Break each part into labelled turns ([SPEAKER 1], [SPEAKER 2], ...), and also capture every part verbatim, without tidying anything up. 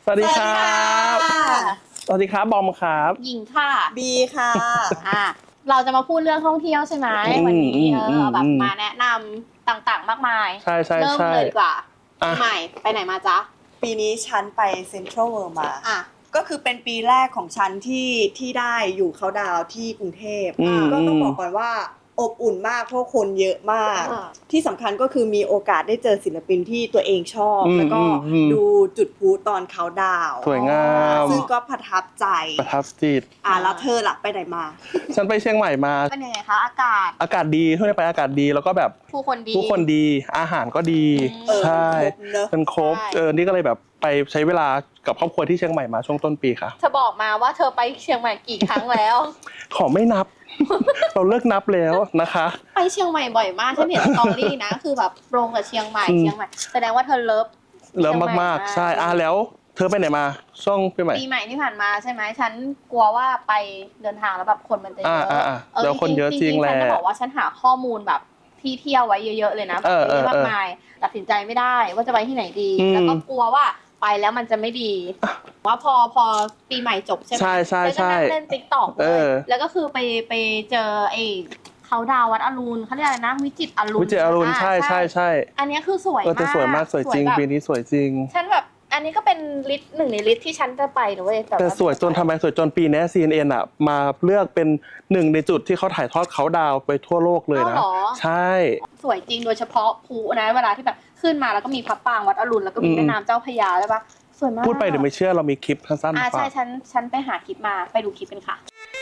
[SPEAKER 1] วัสดีครับสวัสดีครับบอมครับ
[SPEAKER 2] หญิงค่ะ
[SPEAKER 3] บีค่ะ
[SPEAKER 2] อ่าเราจะมาพูดเรื่องท่องเที่ยวใช่ไหมวันนี้เออแบบมาแนะนำต่างๆมากมาย
[SPEAKER 1] ใช่ใช่
[SPEAKER 2] เริ่มเลยดีกว่าปีใหม่ไปไหนมาจ๊ะ
[SPEAKER 3] ปีนี้ฉันไปเซ็นทรัลเวิลด์มา
[SPEAKER 2] อ่ะ
[SPEAKER 3] ก็คือเป็นปีแรกของฉันที่ที่ได้อยู่เขาดาวที่กรุงเทพก็ต้องบอกก่อนว่าอบอุ่นมากเพราะคนเยอะมากที่สำคัญก็คือมีโอกาสได้เจอศิลปินที่ตัวเองชอบแล้วก็ดูจุดพลุตอนเขาดาว
[SPEAKER 1] สวยงาม
[SPEAKER 3] ซึ่งก็ประทับใจ
[SPEAKER 1] ประทับจิต
[SPEAKER 3] อ่ะแล้วเธอล่ะไปไหนมา
[SPEAKER 1] ฉันไปเชียงใหม่มา
[SPEAKER 2] เป็นยังไงคะอากาศ
[SPEAKER 1] อากาศดีช่วงนี้ไปอากาศดีแล้วก็แบบ
[SPEAKER 2] ผู้คนดี
[SPEAKER 1] ผู้คนดีอาหารก็ดีใช่มันครบเออนี่ก็เลยแบบไปใช้เวลากับครอบครัวที่เชียงใหม่มาช่วงต้นปีค่ะ
[SPEAKER 2] เธอบอกมาว่าเธอไปเชียงใหม่กี่ครั้งแล้ว
[SPEAKER 1] ขอไม่นับเราเลิกนับแล้วนะคะ
[SPEAKER 2] ไปเชียงใหม่บ่อยมากฉันเห็นสตอรี่นะคือแบบตรงกับเชียงใหม่เชียงใหม่แสดงว่าเธอเลิฟ
[SPEAKER 1] เลิฟมากๆใช่อ่ะแล้วเธอไปไหนมาช่วงปีใหม่
[SPEAKER 2] ปีใหม่ที่ผ่านมาใช่ไหมฉันกลัวว่าไปเดินทางแล้วแบบคนมันจะเยอะ
[SPEAKER 1] เออคนเยอะจริงแหละ
[SPEAKER 2] ฉันจะบอกว่าฉันหาข้อมูลแบบที่เที่ยวไว้เยอะๆเลยนะแบบเยอะมากมายตัดสินใจไม่ได้ว่าจะไปที่ไหนดีแล้วก็กลัวว่าไปแล้วมันจะไม่ดีว่าพอพอปีใหม่จบใช่ไหม
[SPEAKER 1] ใช่ใช่ใช่
[SPEAKER 2] เล่นติ๊กต็อกเลยแล้วก็คือไปไปเจอไอ้เขาดาววัดอรุณเขาเรียกอะไรนะวิจิตรอรุณ
[SPEAKER 1] วิจิตรอรุณใช่ใช่ใช่
[SPEAKER 2] อันนี้คือสวยมาก
[SPEAKER 1] สวยมากสวยจริงปีนี้สวยจริง
[SPEAKER 2] ฉันแบบอันนี้ก็เป็นลิสต์หนึ่งในลิสต์ที่ฉันจะไปนะเว้ย
[SPEAKER 1] แต่สวยจนทำไมสวยจนปีนี้ ซี เอ็น เอ็น อ่ะมาเลือกเป็นหนึ่งในจุดที่เขาถ่ายทอดเขาดาวไปทั่วโลกเลยนะใช่
[SPEAKER 2] สวยจริงโดยเฉพาะภูนะเวลาที่แบบขึ้นมาแล้วก็มีพระปรางวัดอรุณแล้วก็มีแม่น้ำเจ้าพระยาใช่ปะสวยมาก
[SPEAKER 1] พูดไปเดี๋ยวไม่เชื่อเรามีคลิปสั้นๆ
[SPEAKER 2] อ่าใช่ฉันฉันไปหาคลิปมาไปดูคลิปกันค่ะ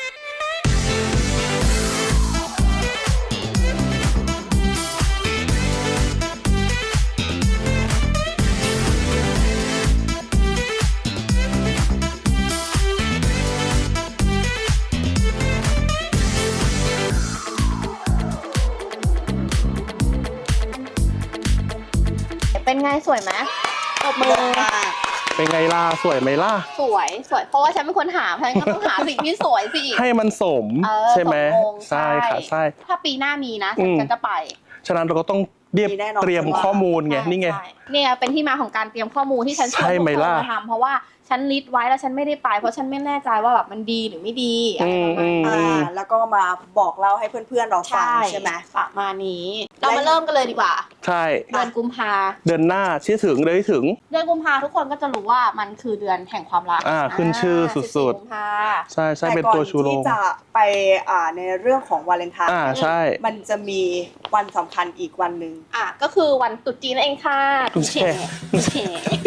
[SPEAKER 2] เป็นไงสวยไหมตบมือ
[SPEAKER 1] เป็นไงล่ะสวยไหมล่ะ
[SPEAKER 2] สวยสวยเพราะว่าฉันเป็นคนหาฉันก็ต้องหาสิ่งที่สวยสิ
[SPEAKER 1] ให้มันสมใช่ไหมใช่ค่ะใช่
[SPEAKER 2] ถ้าปีหน้ามีนะฉันจะไป
[SPEAKER 1] ฉะนั้นเราก็ต้องเรียบเตรียมข้อมูลไงนี่ไง
[SPEAKER 2] เนี่ยเป็นที่มาของการเตรียมข้อมูลที่ฉันชวนทุกคนมาทำเพราะว่าฉันลิสต์ไว้แล้วฉันไม่ได้ไปเพราะฉันไม่แน่ใจว่าแบบมันดีหรือไม่ดีอะไรประมาณนี้
[SPEAKER 3] แล้วก็มาบอกเล่าให้เพื่อนๆเราฟังใช่ไหม
[SPEAKER 2] ประมาณนี้เรามาเริ่มกันเลยดีกว่า
[SPEAKER 1] ใช่
[SPEAKER 2] เดือนกุมภา
[SPEAKER 1] เดือนหน้าชี้ถึงเลยถึง
[SPEAKER 2] เดือนกุมภาทุกคนก็จะรู้ว่ามันคือเดือนแห่งความรัก
[SPEAKER 1] อ่าขึ้นชื่อสุดๆใช่ใช่เป็นตัวชูโรง
[SPEAKER 3] ที่จะไปอ่าในเรื่องของวาเลนไทน์
[SPEAKER 1] อ่าใช่
[SPEAKER 3] มันจะมีวันสำคัญอีกวันหนึ่ง
[SPEAKER 2] อ่ะก็คือวันตรุษจีนนั่นเองค่ะ
[SPEAKER 1] ตุ๊เช่
[SPEAKER 2] ตุ๊เช่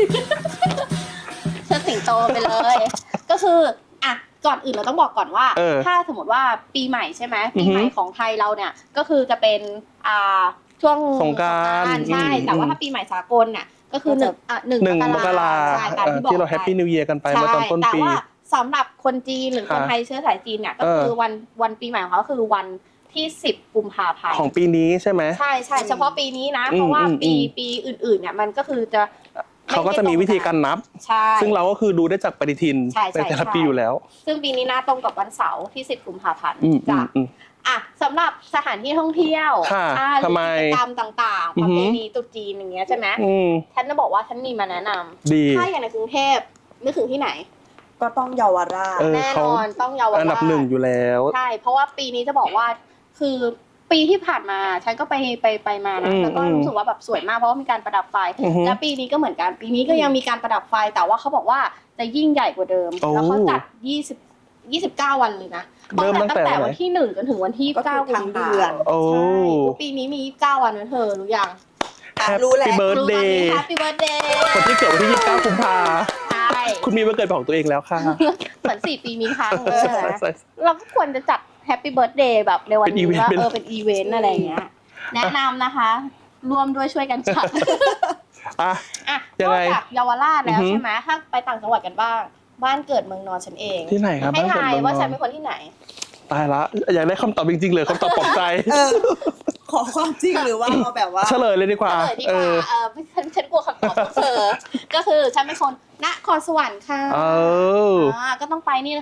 [SPEAKER 2] เชิดสิงโตไปเลยก็คืออ่ะก่อนอื่นเราต้องบอกก่อนว่าถ้าสมมติว่าปีใหม่ใช่ไหมปีใหม่ของไทยเราเนี่ยก็คือจะเป็นอ่าช่วง
[SPEAKER 1] สงกรานต์
[SPEAKER 2] ใช่แต่ว่าถ้าปีใหม่สากลน่ะก็คือหนึ่งอ่ะหนึ่ง
[SPEAKER 1] มกราที่เราแฮปปี้นิวเยียร์กันไปเมื่อตอนต้นปี
[SPEAKER 2] แต่ว่าสำหรับคนจีนหรือคนไทยเชื้อสายจีนเนี่ยก็คือวันวันปีใหม่ของเขาคือวันที่สิบกุมภาพันธ์
[SPEAKER 1] ของปีนี้ใช่ไหม
[SPEAKER 2] ใช่ใช่เฉพาะปีนี้นะเพราะว่าปีปีอื่นๆเนี่ยมันก็คือจะ
[SPEAKER 1] เขาก็จะมีวิธีการนับซึ่งเราก็คือดูได้จากปฏิทินในแต่ละปีอยู่แล้ว
[SPEAKER 2] ซึ่งปีนี้น่าตรงกับวันเสาร์ที่สิบกุมภาพันธ์จ้ะอ่ะสำหรับสถานที่ท่องเที่ยว
[SPEAKER 1] ทำไม
[SPEAKER 2] กิจกรรมต่างๆประเพณีตรุษจีนอย่างเงี้ยใช่ไหมฉันจะบอกว่าฉันมีมาแนะนำถ้าอย่างในกรุงเทพนึกถึงที่ไหน
[SPEAKER 3] ก็ต้องเยาวราช
[SPEAKER 2] แน่นอนต้องเยาวราช
[SPEAKER 1] อันดับหนึ่งอยู่แล้ว
[SPEAKER 2] ใช่เพราะว่าปีนี้จะบอกว่าคือปีที่ผ่านมาฉันก็ไปไปไปมานะแล้วก็รู้สึกว่าแบบสวยมากเพราะว่ามีการประดับไฟและปีนี้ก็เหมือนกันปีนี้ก็ยังมีการประดับไฟแต่ว่าเขาบอกว่าจะยิ่งใหญ่กว่าเดิมแล้วเขาจัดยี่สิบ ยี่สิบเก้าวันเลยนะตั้งแต่วันที่หนึ่งจนถึงวันที่เก้ากุมภาพันธ์
[SPEAKER 1] ใช่
[SPEAKER 2] ปีนี้มียี่สิบเก้าวันนะเธอรู้ยัง
[SPEAKER 3] รู้แล้ว
[SPEAKER 1] Happy Birthday
[SPEAKER 2] Happy Birthday
[SPEAKER 1] คนที่เกิดวันที่ยี่สิบเก้ากุมภาพันธ์ใช่คุณมีวันเกิดของตัวเองแล้วค่ะ
[SPEAKER 2] เหมือนสี่ปีมีครั้งเลยเราก็ควรจะจัดแฮปปี้เบิร์ธเดย์แบบในวันนี้ว่าเออเป็นอีเวนต์อะไรอย่างเงี้ยแนะนำนะคะร่วมด้วยช่วยกันจัด
[SPEAKER 1] อ่ะ
[SPEAKER 2] อ่ะนอกจากเยาวราชแล้วใช่ไหมถ้าไปต่างจังหวัดกันบ้างบ้านเกิดเมืองนอนฉันเอง
[SPEAKER 1] ที่ไหนครับ
[SPEAKER 2] ให้ทายว่าฉันเป็นคนที่ไหน
[SPEAKER 1] ตายละอยากได้คำตอบจริงๆเลยคำตอบปลอบใจ
[SPEAKER 3] ขอความจริงหรือว่าเอาแบบว่า
[SPEAKER 1] เฉลยเลยดีกว่า
[SPEAKER 2] เฉลยดีกว่าเออฉันฉันกลัวคำตอบของเธอก็คือฉันเป็นคนนครสวรรค์ค่ะเออก็ต้องไปนี่เลยค่ะ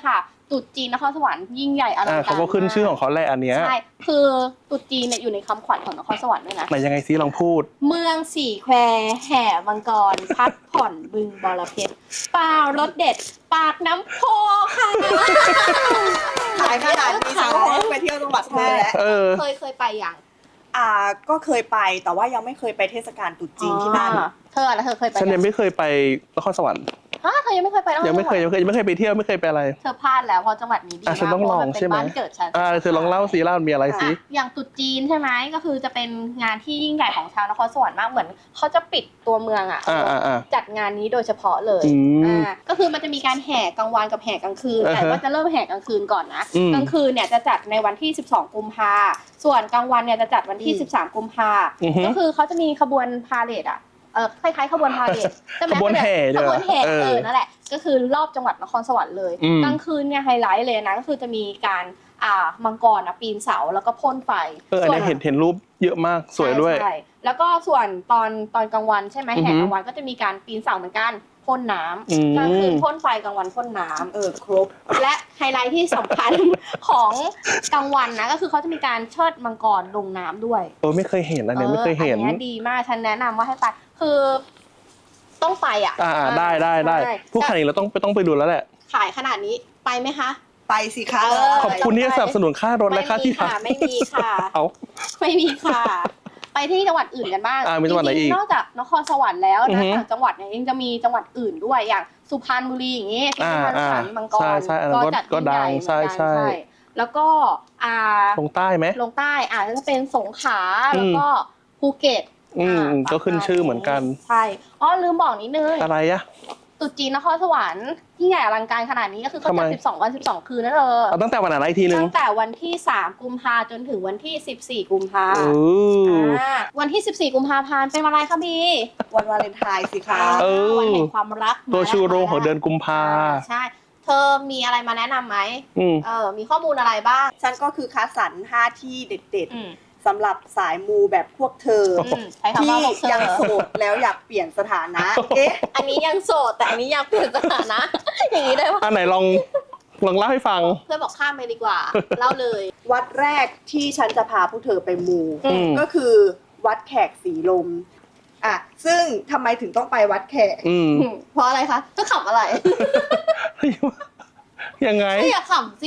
[SPEAKER 2] ตรุษจีนนครสวรรค์ยิ่งใหญ่อลัง
[SPEAKER 1] อ่า
[SPEAKER 2] การ
[SPEAKER 1] เขาก็ขึ้นชื่อของเขาแหละอันเนี้ย
[SPEAKER 2] ใช่คือตรุษจีนเนี่ยอยู่ในคำขวัญของนครสวรรค์ด้วยนะ
[SPEAKER 1] ไหนยังไงซิลองพูด
[SPEAKER 2] เมืองสี่แควแห่มังกร พักผ่อนบึงบรเพชรปลารสเด็ด ปากน้ำโพค่ะ
[SPEAKER 3] ขายขนาดนี้ฉันก็ไปเที่ยวจังหวัดเธอแล้ว
[SPEAKER 1] เออ
[SPEAKER 2] เคยเคยไปอย่าง
[SPEAKER 3] อ่าก็เคยไปแต่ว่ายังไม่เคยไปเทศกาลตรุษจีนที่นั่น
[SPEAKER 2] อ๋อเธอแล้วเธอเคยไป
[SPEAKER 1] ฉันยัง
[SPEAKER 2] ง
[SPEAKER 1] ไม่เคยไปนครสวรรค์
[SPEAKER 2] ฮะเธอยังไม่เคยไปนครสวรรค์
[SPEAKER 1] ยังไม่เคยยังไม่เคยยังไม่เคยไปเที่ยวไม่เคยไปอะไร
[SPEAKER 2] เธอพลาดแล้วเพราะจังหวัดนี้ดี
[SPEAKER 1] อ่ะ
[SPEAKER 2] มาก
[SPEAKER 1] ฉันต้อง
[SPEAKER 2] เพ
[SPEAKER 1] ล
[SPEAKER 2] ราะ
[SPEAKER 1] อง
[SPEAKER 2] มันเป็
[SPEAKER 1] ใช่
[SPEAKER 2] น
[SPEAKER 1] ไหม
[SPEAKER 2] บ้านเกิดฉัน
[SPEAKER 1] อ่าเธอลองเล่าสิเล่ามีอะไรสิ
[SPEAKER 2] อ่ะอย่างตรุษจีนใช่ไหมก็คือจะเป็นงานที่ยิ่งใหญ่ของชาวนครสวรรค์มากเหมือนเขาจะปิดตัวเมืองอ่ะ
[SPEAKER 1] อ่าอ่าอ่า
[SPEAKER 2] จัดงานนี้โดยเฉพาะเลย
[SPEAKER 1] อืม
[SPEAKER 2] อ่าก็คือมันจะมีการแห่กลางวันกับแห่กลางคืน
[SPEAKER 1] อ่าฮะ
[SPEAKER 2] แต่ว่าจะเริ่มแห่กลางคืนก่อนนะ
[SPEAKER 1] อืม
[SPEAKER 2] กลางคืนเนี่ยจะจัดในวันที่สิบสองกุมภาส่วนกลางวันเนี่ยจะจัดวันที่
[SPEAKER 3] อืม
[SPEAKER 2] สิบสามกุมภา
[SPEAKER 1] อือฮึ
[SPEAKER 2] ก็คือเขาจะมีขบวนพาเหรดอ่ะเออคล้ายๆขบวนพาเหรดใช่ไหม
[SPEAKER 1] ขบวนแห่
[SPEAKER 2] ขบวนแห่
[SPEAKER 1] เออ
[SPEAKER 2] เออนั่นแหละก็คือรอบจังหวัดนครสวรรค์เลย
[SPEAKER 1] อืม
[SPEAKER 2] กลางคืนเนี่ยไฮไลท์เลยนะก็คือจะมีการอ่ามังกรนะปีนเสาแล้วก็พ่นไฟ
[SPEAKER 1] เอออันนี้
[SPEAKER 2] ส่ว
[SPEAKER 1] เห็นเห็นรูปเยอะมากสวยด้วย
[SPEAKER 2] ใช่ใช่แล้วก็ส่วนตอนตอนกลางวันใช่ไหม
[SPEAKER 1] อือฮึ
[SPEAKER 2] แห่กลางวันก็จะมีการปีนเสาเหมือนกันพ่นน้
[SPEAKER 1] อืม
[SPEAKER 2] ำกลางคืนพ่นไฟกลางวันพ่นน้ำ
[SPEAKER 3] เออครบ
[SPEAKER 2] และไฮไลท์ที่สำคัญ ของกลางวันนะก็คือเขาจะมีการเชิดมังกรลงน้ำด้วย
[SPEAKER 1] เออไม่เคยเห็นอันเนี้ยไม่เคยเห็น
[SPEAKER 2] อันนี้ยดีมากฉันแนะนำว่าให้ไปคือต้องไปอ่ะ
[SPEAKER 1] อ่าอ่าได้ได้ได้
[SPEAKER 2] ใช่
[SPEAKER 1] ผู้ขายเราต้องไปต้องไปดูแล้วแหละ
[SPEAKER 2] ขายขนาดนี้ไปไหมคะ
[SPEAKER 3] ไปสิคะ
[SPEAKER 2] เออ
[SPEAKER 1] ขอบคุณที่สนับสนุนค่ารถและค่าที่พัก
[SPEAKER 2] ไม่มีค่ะ
[SPEAKER 1] เอา
[SPEAKER 2] ไม่มีค่ะ ไปที่จังหวัดอื่นกันบ้าง
[SPEAKER 1] อ่ามีจังหวัดไหนอีก
[SPEAKER 2] จริๆนอกจากนครสวรรค์แล้ว
[SPEAKER 1] อือ
[SPEAKER 2] นะ
[SPEAKER 1] ฮึ
[SPEAKER 2] ต่างจังหวัดเนี่ยยังจะมีจังหวัดอื่นด้วยอย่างสุพรรณบุรีอย่างงี้ที่
[SPEAKER 1] อ่า
[SPEAKER 2] สุพรรณ
[SPEAKER 1] อ่า
[SPEAKER 2] ขันธ์มังกร
[SPEAKER 1] ใช่ใช่อันนั้นก็
[SPEAKER 2] จัด
[SPEAKER 1] ก็
[SPEAKER 2] ยิ่งใหญ่
[SPEAKER 1] ดัง
[SPEAKER 2] เหมือนกัน
[SPEAKER 1] ใช่ใช่
[SPEAKER 2] แล้วก็อ่า
[SPEAKER 1] ลงใต้ไหม
[SPEAKER 2] ลงใต้อาจจะเป็นสงขลา
[SPEAKER 1] อืม
[SPEAKER 2] แล้วก็ภูเก็ต
[SPEAKER 1] อืม
[SPEAKER 2] อ่า
[SPEAKER 1] ก็ขึ้นชื่อเหมือนกัน
[SPEAKER 2] ใช่อ๋อลืมบอกนิดนึง
[SPEAKER 1] อะไรอะ
[SPEAKER 2] ตรุษจีนนครสวรรค์ที่ใหญ่อลังการขนาดนี้ก็คือเขา
[SPEAKER 1] ทำไม
[SPEAKER 2] จัดสิบสองวันสิบสองคืนนั่นเออ
[SPEAKER 1] เอาตั้งแต่วันไหนอีกทีนึง
[SPEAKER 2] ตั้งแต่วันที่สามกุมภาจนถึงวันที่สิบสี่กุมภา
[SPEAKER 1] เออ
[SPEAKER 2] อ่าวันที่สิบสี่กุมภาพันธ์เป็นวันอะไรคะบี
[SPEAKER 3] วันวาเลนไทน์สิคะ
[SPEAKER 1] เออ
[SPEAKER 2] วันแห่งความรัก
[SPEAKER 1] ตัวชูโรงของ
[SPEAKER 2] มาแล้ว
[SPEAKER 1] เดือนกุมภา
[SPEAKER 2] ใช่ เธอมีอะไรมาแนะนำไหม
[SPEAKER 1] อืม
[SPEAKER 2] เออมีข้อมูลอะไรบ้าง
[SPEAKER 3] ฉันก็คือคัดสรรห้าที่เด็ด
[SPEAKER 2] อืม
[SPEAKER 3] ๆสำหรับสายมูแบบพวกเธอ
[SPEAKER 2] อืมใช้คำ
[SPEAKER 3] ที่
[SPEAKER 2] ว่าบอกเธอ
[SPEAKER 3] ยังโสดแล้วอยากเปลี่ยนสถานะ เอ๊ะ
[SPEAKER 2] อันนี้ยังโสดแต่อันนี้ยังเปลี่ยนสถานะ อย่างนี้ได้ปะ
[SPEAKER 1] อันไหนลองลองเล่าให้ฟัง
[SPEAKER 2] เพื่อนบอกข้ามไปดีกว่า เล่าเลย
[SPEAKER 3] วัดแรกที่ฉันจะพาพวกเธอไปมู
[SPEAKER 2] อืม
[SPEAKER 3] ก็คือวัดแขกสีลมอ่ะซึ่งทำไมถึงต้องไปวัดแขก
[SPEAKER 1] อืม
[SPEAKER 2] เพราะอะไรคะจะขำอะไร
[SPEAKER 1] ยังไง
[SPEAKER 2] ไม่อยากขำสิ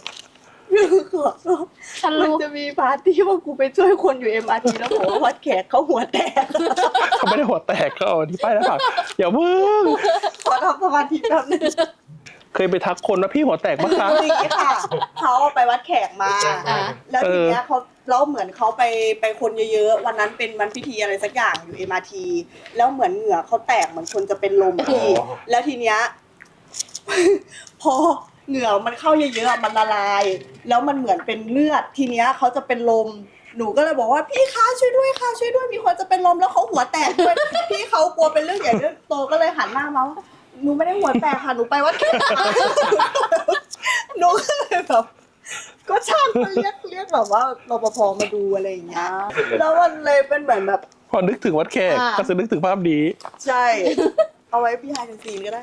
[SPEAKER 2] ฉัน
[SPEAKER 3] มัน
[SPEAKER 2] รู้
[SPEAKER 3] จะมีปาร์ตี้ว่ากูไปช่วยคนอยู่ เอ็ม อาร์ ที แล้วบอกว่าวัดแขกเขาหัวแตก
[SPEAKER 1] เขาไม่ได้หัวแตกเขาเอาที่ป้ายหน้าผากอย่าเพิ่ง
[SPEAKER 3] ขอทำสมาธิแป๊บนึง
[SPEAKER 1] เคยไปทักคนว่าพี่หัวแตกปะคะ
[SPEAKER 3] จริงๆค่ะเขาไปวัดแขกมา
[SPEAKER 2] อ่ะ
[SPEAKER 3] แล้วทีเนี้ยเขาแล้วเหมือนเขาไปไปคนเยอะๆวันนั้นเป็นวันพิธีอะไรสักอย่างอยู่ เอ็ม อาร์ ที แล้วเหมือนเหงื่อเขาแตกเหมือนคนจะเป็นลมพี่แล้วทีเนี้ย พอเหงื่อมันเข้าเยอะๆมันละลาย แล้วมันเหมือนเป็นเลือดทีเนี้ยเขาจะเป็นลมหนูก็เลยบอกว่าพี่คะช่วยด้วยค่ะช่วยด้วยมีคนจะเป็นลมแล้วเขาหัวแตกด้วย พี่เขากลัวเป็นเรื่องใหญ่เรื่องโตก็เลยหันหน้ามาว่าหนูไม่ได้หัวแตกค่ะหนูไปวัดแขก หนูก็เลยแบบก็ช่างมาเรียกเรียกแบบว่ารปภมาดูอะไรอย่างเงี้ยแล้วมันเลยเป็นเหมือนแบบ
[SPEAKER 1] พอนึกถึงวัดแขก
[SPEAKER 2] อ่า
[SPEAKER 1] ก็จะนึกถึงภาพนี้
[SPEAKER 3] ใช่ เอาไว้พี่ไฮเดนซีนก็ได้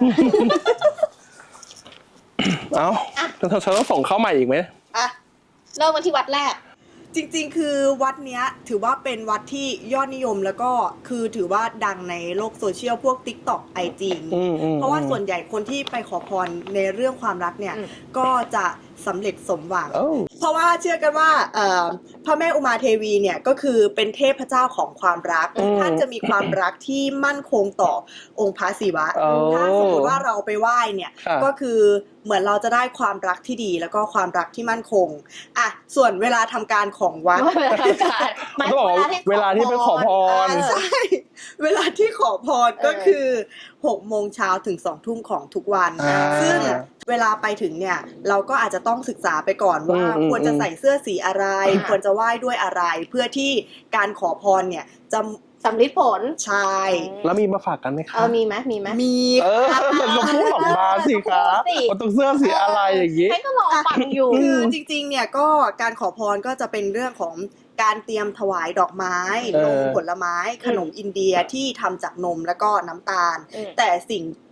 [SPEAKER 1] เอ้าเธอเธอต้องส่งเข้าใหม่อีกไหม
[SPEAKER 3] อ่ะ
[SPEAKER 2] เริ่มกันที่วัดแรก
[SPEAKER 3] จริงๆ คือวัดเนี้ยถือว่าเป็นวัดที่ยอดนิยมแล้วก็คือถือว่าดังในโลกโซเชียลพวก TikTok ไอจี
[SPEAKER 1] อืมอืม
[SPEAKER 3] เพราะว่าส่วนใหญ่คนที่ไปขอพรในเรื่องความรักเนี่ย
[SPEAKER 2] อืม
[SPEAKER 3] ก็จะสำเร็จสมหวัง
[SPEAKER 1] เอ้า
[SPEAKER 3] เพราะว่าเชื่อกันว่าเอ่อพระแม่อุมาเทวีเนี่ยก็คือเป็นเทพเจ้าของความรัก
[SPEAKER 1] อืม
[SPEAKER 3] ท่านจะมีความรักที่มั่นคงต่อองค์พระศิวะ
[SPEAKER 1] โอ้
[SPEAKER 3] ถ้าสมมติว่าเราไปไหว้เนี่ย
[SPEAKER 1] ค่ะ
[SPEAKER 3] ก็คือเหมือนเราจะได้ความรักที่ดีแล้วก็ความรักที่มั่นคงอ่ะส่วนเวลาทำการของวัด
[SPEAKER 2] เวลาทำการหมาย
[SPEAKER 1] เขาบอกว่าเวลาที่ไปขอพร
[SPEAKER 3] อ่าใช่ เวลาที่ขอพรก็คือหกโมงเช้าถึงสองทุ่มของทุกวัน
[SPEAKER 1] อ่า
[SPEAKER 3] ซึ่งเวลาไปถึงเนี่ยเราก็อาจจะต้องศึกษาไปก่อนว่า
[SPEAKER 1] อืม
[SPEAKER 3] ควรจะใส่เสื้อสีอะไร
[SPEAKER 2] อ่า
[SPEAKER 3] ควรจะไหว้ด้วยอะไร เพื่อที่การขอพรเนี่ยจะ
[SPEAKER 2] สำลิดผล
[SPEAKER 3] ใช่
[SPEAKER 1] แล้วมีมาฝากกันไหมคะ
[SPEAKER 2] เออมีไหมมีไหม
[SPEAKER 3] มี
[SPEAKER 1] เออมันก็พูดออกมาสิคะ
[SPEAKER 2] พูดสิ
[SPEAKER 1] มันต้องเสื้อสีอะไรอย่างนี้
[SPEAKER 2] ให้ก็รอฟังอยู่
[SPEAKER 3] คือจริงๆเนี่ยก็การขอพรก็จะเป็นเรื่องของการเตรียมถวายดอกไม้
[SPEAKER 1] เออ
[SPEAKER 3] นมผลไม้ ขนมอินเดียที่ทำจากนมแล้วก็น้ำตาล
[SPEAKER 2] อืม
[SPEAKER 3] แต่สิ่ง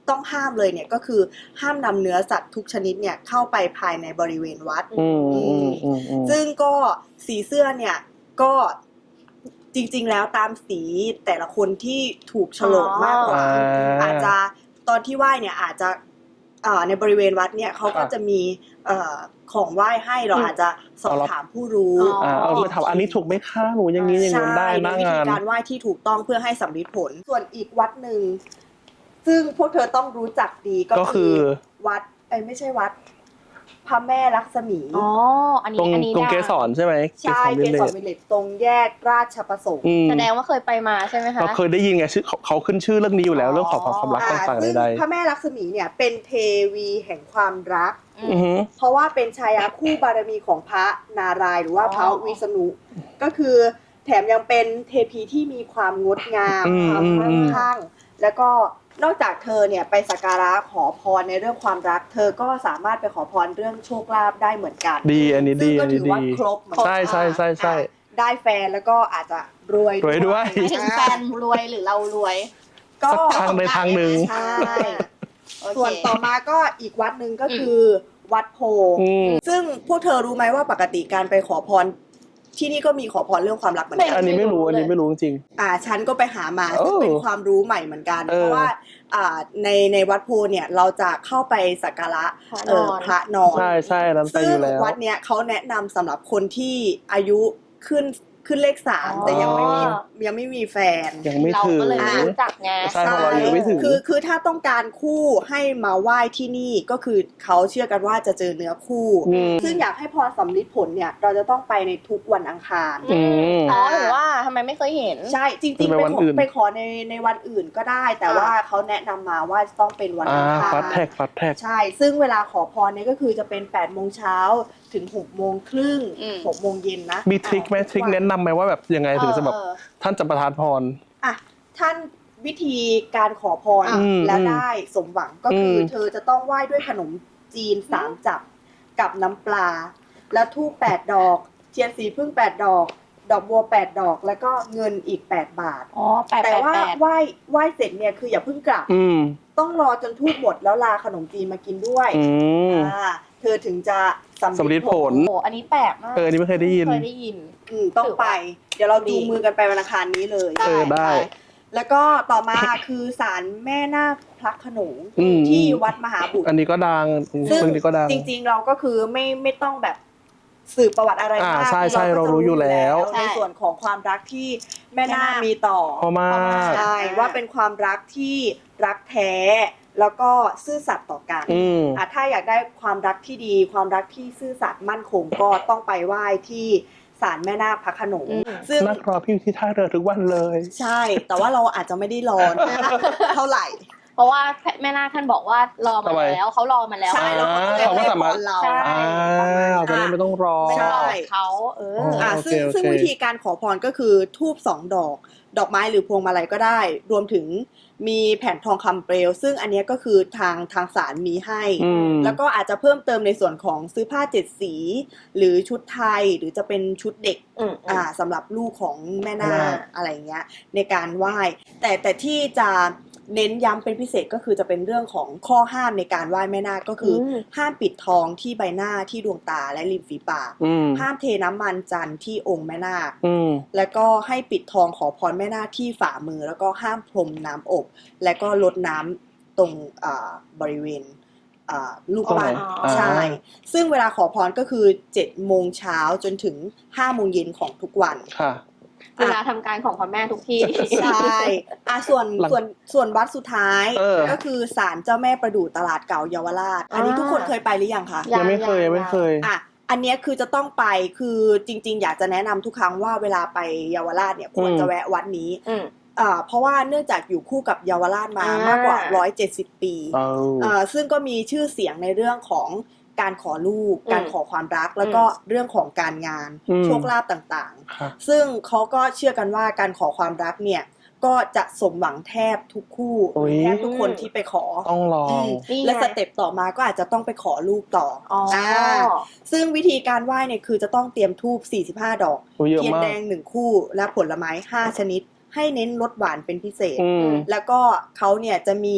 [SPEAKER 3] ต้องห้ามเลยเนี่ยก็คือห้ามนำเนื้อสัตว์ทุกชนิดเนี่ยเข้าไปภายในบริเวณวัด
[SPEAKER 1] อืมอืมอืมอืม
[SPEAKER 3] ซึ่งก็สีเสื้อเนี่ยก็จริงๆแล้วตามสีแต่ละคนที่ถูกโฉลกมากกว่า
[SPEAKER 1] อ่า
[SPEAKER 3] อาจจะตอนที่ไหว้เนี่ยอาจจะอ่าในบริเวณวัดเนี่ยเขาก็จะมีเอ่อของไหว้ให้เราอาจจะสอบถามผู้รู้
[SPEAKER 1] อ่าเอาไปถามอันนี้ถูกไหมคะหนูอย่างนี้อย่างนี้ได้หน้า
[SPEAKER 3] วิ
[SPEAKER 1] งา
[SPEAKER 3] ธี
[SPEAKER 1] น
[SPEAKER 3] การไหว้ที่ถูกต้องเพื่อให้สำเร็จผล ส่วนอีกวัดหนึ่งซึ่งพวกเธอต้องรู้จักดีก็
[SPEAKER 1] ก็คื
[SPEAKER 3] คือ
[SPEAKER 1] อ
[SPEAKER 3] วัดเอ้ยไม่ใช่วัดพระแม่ลักษมี
[SPEAKER 2] อ๋ออัน
[SPEAKER 1] ตร
[SPEAKER 2] นี้
[SPEAKER 1] ง
[SPEAKER 2] อันนี้
[SPEAKER 1] ตรงเกสรใช่ไหม
[SPEAKER 3] ใช่เกสรวิลเลจตรงแยกราชประสงค์
[SPEAKER 1] อืม
[SPEAKER 2] แสดงว่าเคยไปมาใช่ไหมคะ
[SPEAKER 1] เราเคยได้ยินไงชื่อเขาเขาขึ้นชื่อเรื่องนี้อยู่แล้วเรื่องของความรัก
[SPEAKER 3] อ่า
[SPEAKER 1] ต่างๆ
[SPEAKER 3] ซึ่ง
[SPEAKER 1] ใด
[SPEAKER 3] พระแม่ลักษมีเนี่ยเป็นเทวีแห่งความรัก
[SPEAKER 1] ๆอือฮึ
[SPEAKER 3] เพราะว่าเป็นชายาคู่บารมีของพระนารายณ์หรือว่าพระวิษณุก็คือแถมยังเป็นเทพีที่มีความงดงามความมั่งคั่งแล้วก็นอกจากเธอเนี่ยไปสักการะขอพรในเรื่องความรัก เธอก็สามารถไปขอพรเรื่องโชคลาภได้เหมือนกัน
[SPEAKER 1] ดีอันนี้
[SPEAKER 3] ซึ่
[SPEAKER 1] ดี
[SPEAKER 3] งก็
[SPEAKER 1] อัน
[SPEAKER 3] ถื
[SPEAKER 1] นี้
[SPEAKER 3] อ
[SPEAKER 1] ดี
[SPEAKER 3] ว่าครบเหมือนกัน
[SPEAKER 1] ใช่ใช่ใช่ใช่
[SPEAKER 3] อ่ะได้แฟนแล้วก็อาจจะรวย
[SPEAKER 1] รวยด้วย
[SPEAKER 2] หมายถึงแฟนรวยหรือเรารวย
[SPEAKER 3] ก็
[SPEAKER 1] ทางใดทางหนึ่ง
[SPEAKER 3] ใช่
[SPEAKER 2] โอเค
[SPEAKER 3] ส่วนต่อมาก็อีกวัดหนึ่งก็คือวัดโพ
[SPEAKER 1] อืม
[SPEAKER 3] ซึ่งพวกเธอรู้ไหมว่าปกติการไปขอพรที่นี่ก็มีขอพรเรื่องความรักเหมือนกั
[SPEAKER 1] อันนี้ไม่รู้อันนี้ไม่รู้จริง
[SPEAKER 3] อ่าฉันก็ไปหามา
[SPEAKER 1] โอ้
[SPEAKER 3] ซึ่งเป็นความรู้ใหม่เหมือนกัน
[SPEAKER 1] เออ
[SPEAKER 3] เพราะว่าอ่าในในวัดโพเนี่ยเราจะเข้าไปสักการะ
[SPEAKER 2] พระ
[SPEAKER 3] เอน
[SPEAKER 2] อ
[SPEAKER 3] อน พระนอน
[SPEAKER 1] ใช่ใช่นั้นไป
[SPEAKER 3] ซึ่
[SPEAKER 1] อง ยู่แล้ว
[SPEAKER 3] วัดเนี้ยเขาแนะนำสำหรับคนที่อายุขึ้นขึ้นเลขสามแต่ยังไม่มียังไม่มีแฟน
[SPEAKER 1] ยังไม่
[SPEAKER 2] เรา
[SPEAKER 1] ถึง
[SPEAKER 2] ก็เลยไม่รู้จักไง
[SPEAKER 1] ใช่เพราะเรายังไม่ถึง
[SPEAKER 3] คือคือถ้าต้องการคู่ให้มาไหว้ที่นี่ก็คือเขาเชื่อกันว่าจะเจอเนื้อคู่
[SPEAKER 1] อืม
[SPEAKER 3] ซึ่งอยากให้พรสำลิดผลเนี่ยเราจะต้องไปในทุกวันอังคาร
[SPEAKER 1] อืม
[SPEAKER 2] อ๋อหรือว่าทำไมไม่เคยเห็น
[SPEAKER 3] ใช่จริงๆ
[SPEAKER 1] ไป
[SPEAKER 3] ไป
[SPEAKER 1] วัน
[SPEAKER 3] ขอ
[SPEAKER 1] อื่น
[SPEAKER 3] ไปขอในในวันอื่นก็ได้ แต่ว่าเขาแนะนำมาว่าต้องเป็นวัน
[SPEAKER 1] อ่า
[SPEAKER 3] อังคาร
[SPEAKER 1] ฟัดแท็กฟัดแท็ก
[SPEAKER 3] ใช่ ซึ่งเวลาขอพรเนี่ยก็คือจะเป็นแปดโมงเช้าถึงหกโมงครึ่ง
[SPEAKER 2] อืม
[SPEAKER 3] หกโมงเย็นนะ
[SPEAKER 1] มีทริคไหมทริคแนะนำไหมว่าแบบยังไงถึงจะแบบ
[SPEAKER 3] เออ
[SPEAKER 1] ท่านจะประทานพร
[SPEAKER 3] อ่ะท่านวิธีการขอพร
[SPEAKER 1] อืม
[SPEAKER 3] แล้วได้สมหวังก็คืออ
[SPEAKER 1] ม
[SPEAKER 3] เธอจะต้องไหว้ด้วยขนมจีนสามจับกับน้ำปลา แล้วธูปแปดดอก เทียนสีพึ่งแปดดอก ดอกบัวแปดดอก แล้วก็เงินอีกแปดบาท
[SPEAKER 2] อ๋อแปด
[SPEAKER 3] แต่
[SPEAKER 2] แปด
[SPEAKER 3] ว่า
[SPEAKER 2] แปด
[SPEAKER 3] ไหว้ไหว้เสร็จเนี่ยคืออย่าเพิ่งกลับ
[SPEAKER 1] อืม
[SPEAKER 3] ต้องรอจนทูบหมดแล้วลาขนมจีนมากินด้วย
[SPEAKER 1] อืม
[SPEAKER 3] อ่าเธอถึงจะ
[SPEAKER 1] สำ
[SPEAKER 3] สำ
[SPEAKER 1] ลิ
[SPEAKER 3] ลิ
[SPEAKER 1] ด
[SPEAKER 3] ด
[SPEAKER 1] ผ
[SPEAKER 3] ผ
[SPEAKER 1] ล
[SPEAKER 3] ล
[SPEAKER 2] โอ้อันนี้แปลกมาก
[SPEAKER 1] เอออันนี้ไม่เคยได้ยิน
[SPEAKER 2] เคยได้ยิน
[SPEAKER 3] อืมต้องไป เดี๋ยวเราจูงมือกันไปวันอังคารนี้เลย
[SPEAKER 1] เออได้
[SPEAKER 3] แล้วก็ต่อมาคือศาลแม่นาคพระโขนง
[SPEAKER 1] อืม
[SPEAKER 3] ที่วัดมหาบุตร
[SPEAKER 1] อันนี้ก็ดัง
[SPEAKER 3] ซึ่ง
[SPEAKER 1] เรื่องนี้ก็ดัง
[SPEAKER 3] จริงๆเราก็คือไม่ไม่ต้องแบบสืบประวัติอะไร
[SPEAKER 1] อ่าม
[SPEAKER 3] าก
[SPEAKER 1] ใช่ใช่
[SPEAKER 3] ก็
[SPEAKER 1] เรา
[SPEAKER 3] จะ
[SPEAKER 1] รู้อยู่แล้ว
[SPEAKER 3] ในส่วนของความรักที่แม่นาคมีต่อ
[SPEAKER 1] พอมาก
[SPEAKER 3] ใช่ว่าเป็นความรักที่รักแท้ แล้วก็ซื่อสัตย์ต่อกัน
[SPEAKER 1] อืม
[SPEAKER 3] อ่ะถ้าอยากได้ความรักที่ดี ความรักที่ซื่อสัตย์มั่นคงก็ต้องไปไหว้ที่ศาลแม่นาคพระโขนง
[SPEAKER 2] อืม
[SPEAKER 3] ซึ่ง
[SPEAKER 1] นักรอพี่อยู่ที่ท่าเรือทุกวันเลย
[SPEAKER 3] ใช่ แต่ว่าเราอาจจะไม่ได้รอ เท่าไหร่
[SPEAKER 2] เพราะว่าแม่นาคท่านบอกว่ารอมา
[SPEAKER 1] ทำไม
[SPEAKER 2] แล้วเขารอมาแล้ว
[SPEAKER 3] ใช่แล้ว
[SPEAKER 1] อ่า
[SPEAKER 3] เขาก็
[SPEAKER 1] เขาก็สามารถ
[SPEAKER 3] ให้พเรา
[SPEAKER 2] ใช่
[SPEAKER 1] อ่าจะได้ไม่ต้องรอ
[SPEAKER 2] ไม่
[SPEAKER 3] ใช่
[SPEAKER 2] รอเขาเออ
[SPEAKER 1] อ๋อ
[SPEAKER 3] อ่า
[SPEAKER 1] โอเค
[SPEAKER 3] ซึ่ง
[SPEAKER 1] โอเค
[SPEAKER 3] ซึ่งวิธีการขอพรก็คือทูบสองดอก ดอกไม้หรือพวงมาลัยก็ได้ รวมถึงมีแผ่นทองคำเปลว ซึ่งอันเนี้ยก็คือทางทางศาลมีให้
[SPEAKER 1] อืม
[SPEAKER 3] แล้วก็อาจจะเพิ่มเติมในส่วนของซื้อผ้าเจ็ดสี หรือชุดไทยหรือจะเป็นชุดเด็ก
[SPEAKER 2] อืม
[SPEAKER 3] อ่าสำหรับลูกของแม่นา
[SPEAKER 1] แม่
[SPEAKER 3] คอะไรเงี้ยในการไหว้แต่แต่ที่จะเน้นย้ำเป็นพิเศษก็คือจะเป็นเรื่องของข้อห้ามในการไหว้แม่นาคก็คืออ
[SPEAKER 2] ม
[SPEAKER 3] ห้ามปิดทองที่ใบหน้าที่ดวงตาและริมฝีปาก
[SPEAKER 1] อืม
[SPEAKER 3] ห้ามเทน้ำมันจันทร์ที่องค์แม่นาค
[SPEAKER 1] อืม
[SPEAKER 3] แล้วก็ให้ปิดทองขอพรแม่นาคที่ฝ่ามือ แล้วก็ห้ามพรมน้ำอบ และก็ลดน้ำตรงอ่าบริเวณอ่าลูกปั้น
[SPEAKER 2] อ๋อ
[SPEAKER 3] ใช่ ซึ่งเวลาขอพรก็คือเจ็ดโมงเช้าจนถึงห้าโมงเย็นของทุกวัน
[SPEAKER 1] ค่ะ
[SPEAKER 2] เวลาทำการของพระแม่ทุกที่
[SPEAKER 3] ใช่อ่ะส่วน
[SPEAKER 1] หลัง
[SPEAKER 3] ส่วนส่วนวัดสุดท้าย
[SPEAKER 1] เออ
[SPEAKER 3] ก็คือศาลเจ้าแม่ประดู่ตลาดเก่าเยาวราช อันนี้
[SPEAKER 2] อ่า
[SPEAKER 3] ทุกคนเคยไปหรือยังคะ
[SPEAKER 2] ยั
[SPEAKER 1] ยังไม่เคยยังไม่เคย
[SPEAKER 3] อ่ะอันเนี้ยคือจะต้องไปคือจริง ๆ อยากจะแนะนำทุกครั้งว่าเวลาไปเยาวราชเนี่ยควรจะแวะวัดนี้
[SPEAKER 2] อืม
[SPEAKER 3] อ่าเพราะว่าเนื่องจากอยู่คู่กับเยาวราชมา
[SPEAKER 2] อ่าม
[SPEAKER 3] มากกว่าหนึ่งร้อยเจ็ดสิบปี
[SPEAKER 1] เอา
[SPEAKER 3] อ่าซึ่งก็มีชื่อเสียงในเรื่องของการขอลูก
[SPEAKER 2] อืม
[SPEAKER 3] การขอความรัก แล้วก็เรื่องของการงาน
[SPEAKER 1] อืม
[SPEAKER 3] โชคลาภต่าง
[SPEAKER 1] ค่ะ
[SPEAKER 3] ๆ ซึ่งเขาก็เชื่อกันว่าการขอความรักเนี่ยก็จะสมหวังแทบทุกคู่
[SPEAKER 1] โอ้ย
[SPEAKER 3] แทบทุกคนที่ไปขอ
[SPEAKER 1] ต้องลอ
[SPEAKER 3] อื
[SPEAKER 1] ง
[SPEAKER 3] ม
[SPEAKER 2] นี่ไง
[SPEAKER 3] และสเต็ปต่อมาก็อาจจะต้องไปขอลูกต่อ
[SPEAKER 2] อ๋อ
[SPEAKER 3] อ่าซึ่งวิธีการไหว้เนี่ยคือจะต้องเตรียมธูปสี่สิบห้าดอก
[SPEAKER 1] โอ้ยเยอะ
[SPEAKER 3] เทียน
[SPEAKER 1] มาก
[SPEAKER 3] แดงหนึ่งคู่และผลไม้ห้าชนิด ให้เน้นรสหวานเป็นพิเศษ
[SPEAKER 1] อืม
[SPEAKER 3] แล้วก็เขาเนี่ยจะมี